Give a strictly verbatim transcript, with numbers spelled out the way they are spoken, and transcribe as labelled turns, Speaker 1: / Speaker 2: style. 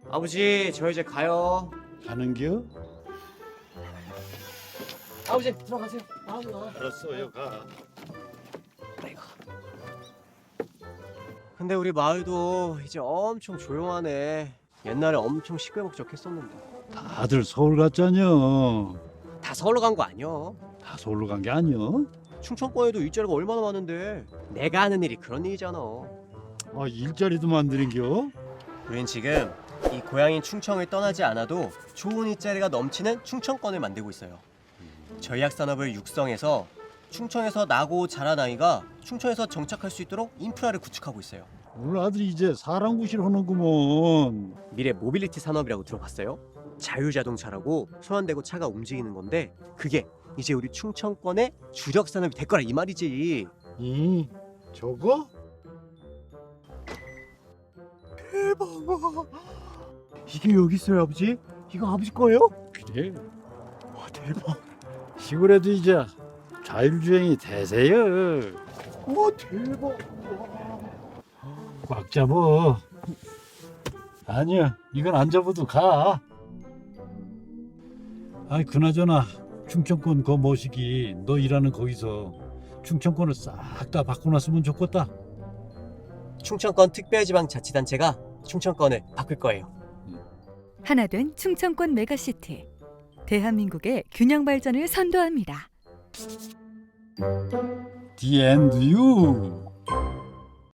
Speaker 1: 아버지, 저 이제 가요.
Speaker 2: 가는겨?
Speaker 1: 아버지, 들어가세요. 아버지.
Speaker 2: 알았어요, 가.
Speaker 1: 아이고. 근데 우리 마을도 이제 엄청 조용하네. 옛날에 엄청 시끌벅적했었는데.
Speaker 2: 다들 서울 갔잖여.
Speaker 1: 다 서울로 간 거 아니야.
Speaker 2: 다 서울로 간 게 아니여?
Speaker 1: 충청권에도 일자리가 얼마나 많은데. 내가 하는 일이 그런 일이잖아.
Speaker 2: 아, 일자리도 만드는겨?
Speaker 1: 우린 지금 이 고향인 충청을 떠나지 않아도 좋은 일자리가 넘치는 충청권을 만들고 있어요. 전략산업을 육성해서 충청에서 나고 자란 아이가 충청에서 정착할 수 있도록 인프라를 구축하고 있어요.
Speaker 2: 우리 아들이 이제 사람 구실 하는구먼.
Speaker 1: 미래 모빌리티 산업이라고 들어봤어요? 자율자동차라고 손 안 대고 차가 움직이는 건데 그게 이제 우리 충청권의 주력 산업이 될 거라 이 말이지.
Speaker 2: 이 저거?
Speaker 1: 대박! 이게 여기 있어요, 아버지? 이거 아버지 거예요?
Speaker 2: 그래.
Speaker 1: 와, 대박!
Speaker 2: 시골에도 이제 자율주행이 대세여.
Speaker 1: 와, 대박!
Speaker 2: 꽉 잡어. 아니야, 이건 안 잡아도 가. 아이, 그나저나 충청권 거 모시기 너 일하는 거기서 충청권을 싹 다 바꿔놨으면 좋겠다.
Speaker 1: 충청권 특별지방자치단체가 충청권을 바꿀 거예요.
Speaker 3: 하나된 충청권 메가시티. 대한민국의 균형 발전을 선도합니다.
Speaker 2: The end you.